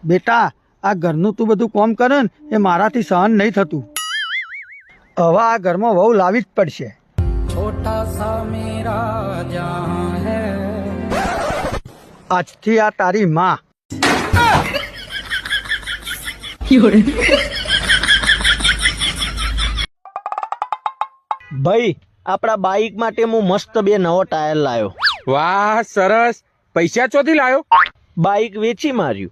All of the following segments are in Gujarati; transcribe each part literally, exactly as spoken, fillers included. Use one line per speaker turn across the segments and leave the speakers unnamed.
બેટા આ ઘરનું તું બધું કામ કરે ને એ મારાથી સહન નહીં થતું. હવે આ ઘરમાં વહુ લાવી જ પડશે. છોટા સા મેરા જહાં હૈ. આજથી આ તારી માં.
ભાઈ આપણા બાઈક માટે હું મસ્ત બે નવો ટાયર લાયો.
વાહ સરસ. પૈસા ચોથી લાયો?
બાઈક વેચી માર્યું.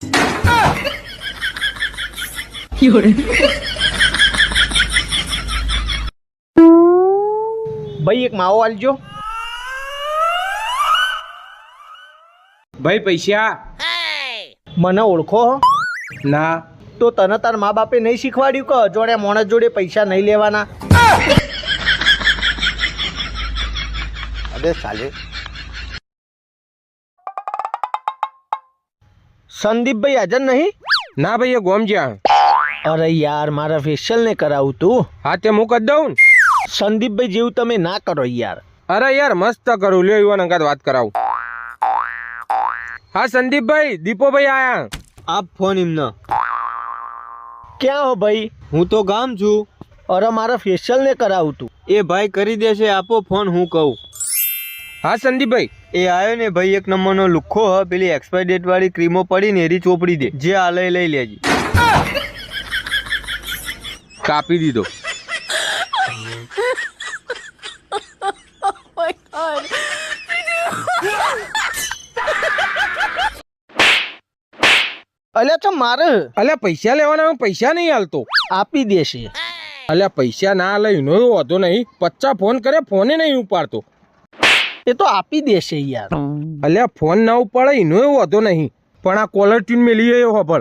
ભાઈ એક માવો આલજો.
ભાઈ પૈસા.
મને ઓળખો હો?
ના.
તો તને તાર મા બાપે નહીં શીખવાડ્યું કે અજોડે મોણસ જોડે પૈસા નહીં લેવાના? અબે સાલે. સંદીપભાઈ હાજર નહીં?
ના ભાઈ એ ગોમ જ્યાં.
અરે યાર મારા ફેશિયલ ને કરાવું તું.
હા તે હું કરી દઉં.
સંદીપભાઈ જેવું તમે ના કરો યાર.
અરે યાર મસ્ત કરું. લ્યો યુવાન અંગાત વાત કરાવું. હા સંદીપભાઈ, દીપોભાઈ આયા.
આપ ફોન એમનો.
ક્યાં હો ભાઈ?
હું તો ગામ છું.
અરે મારા ફેશિયલ ને કરાવું તું.
એ ભાઈ કરી દેશે. આપો ફોન, હું કહું.
હા સંદીપભાઈ.
એ આવ્યો ને ભાઈ, એક નંબરનો લુખ્ખો હ. પેલી એક્સપાયર ડેટ વાળી ક્રીમો પડી ને એરી ચોપડી દે. જે આ લઈ લઈ લેજી.
કાપી દીધો.
અલ્યા તો મારે.
અલ્યા પૈસા લેવાના, પૈસા નહીં હાલતો.
આપી દેશે.
અલ્યા પૈસા ના લઈ નો વાંધો નહીં. પચાસ ફોન કરે, ફોને નહીં ઉપાડતો.
એ તો આપી દેશે યાર.
અલ્યા ફોન ના ઉપાડે એનો વાંધો નહીં, પણ આ કોલર ટ્યુન મેલી એ ખબર.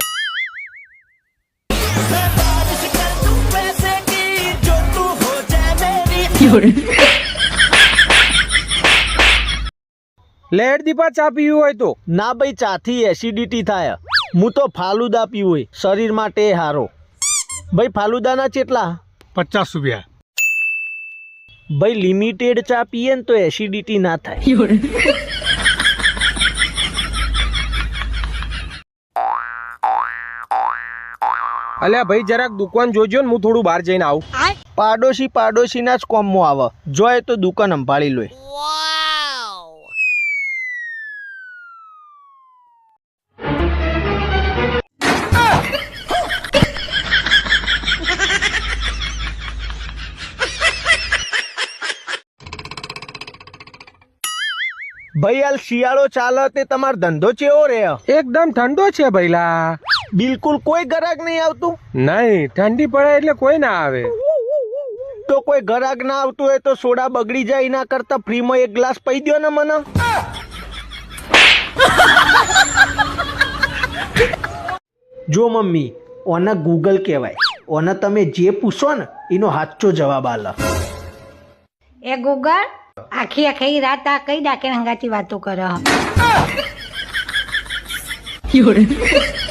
લેટ દીપા ચા પીવી હોય તો.
ના ભાઈ, ચાથી એસિડિટી થાય. હું તો ફાલુદા પીવું હોય, શરીર માટે હારો. ભાઈ ફાલુદાના કેટલા?
પચાસ રૂપિયા.
ભાઈ લિમિટેડ ચા પીએ ને તો એસિડિટી ના થાય.
અલ્યા ભાઈ જરાક દુકાન જોજો ને, હું થોડું બહાર જઈને આવું.
પાડોશી પાડોશીના જ કોમમાં આવે. જોય તો દુકાન સંભાળી લો. ભાઈ હાલ શિયાળો ચાલે તે તમારો ધંધો ચેવો રે?
એકદમ ઠંડો છે ભઈલા.
બિલકુલ કોઈ ગ્રાહક નહીં આવતું?
નહીં, ઠંડી પડે એટલે કોઈ ના આવે.
તો કોઈ ગ્રાહક ના આવતું હોય તો સોડા બગડી જાય એના કરતા ફ્રીમાં એક ગ્લાસ પી દો ને મને. જો મમ્મી, ઓને ગૂગલ કહેવાય. ઓને તમે જે પૂછો ને એનો સાચો જવાબ આલે.
એ ગૂગલ, આખી આખી રાત આ કઈ ડાકે હંગાતી વાતો કરે.